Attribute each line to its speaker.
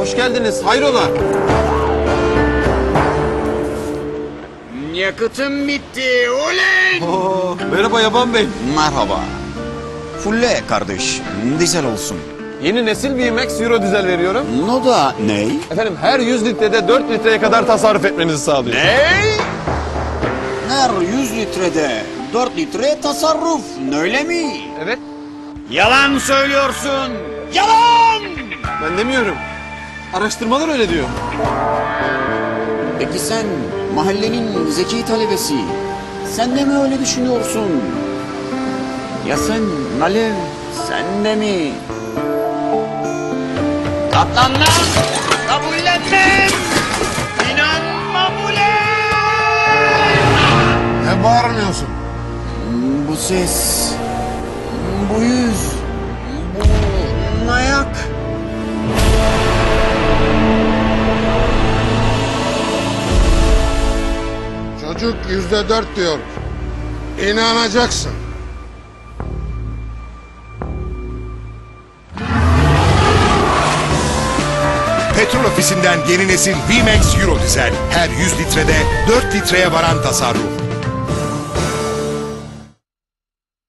Speaker 1: hoş geldiniz. Hayrola?
Speaker 2: Yakıtım bitti. Oley!
Speaker 1: Oo, merhaba Yaban Bey.
Speaker 2: Merhaba. Fulle kardeş. Dizel olsun.
Speaker 1: Yeni nesil VMAX Euro dizel veriyorum.
Speaker 2: No da ney?
Speaker 1: Efendim her 100 litrede 4 litreye kadar tasarruf etmenizi sağlıyor.
Speaker 2: Ney? Her 100 litrede 4 litre tasarruf. Öyle mi?
Speaker 1: Evet.
Speaker 2: Yalan söylüyorsun. Yalan!
Speaker 1: Ben demiyorum. Araştırmalar öyle diyor.
Speaker 2: Peki sen mahallenin zeki talebesi. Sen de mi öyle düşünüyorsun? Ya sen Alev, sen de mi? Katlanmam, kabullenmem, inanmam ulan!
Speaker 3: Ne bağırmıyorsun?
Speaker 2: Bu ses, bu yüz, bu ayak.
Speaker 3: Çocuk %4 diyor. İnanacaksın.
Speaker 4: Petrol ofisinden yeni nesil VMAX Euro dizel. Her 100 litrede 4 litreye varan tasarruf.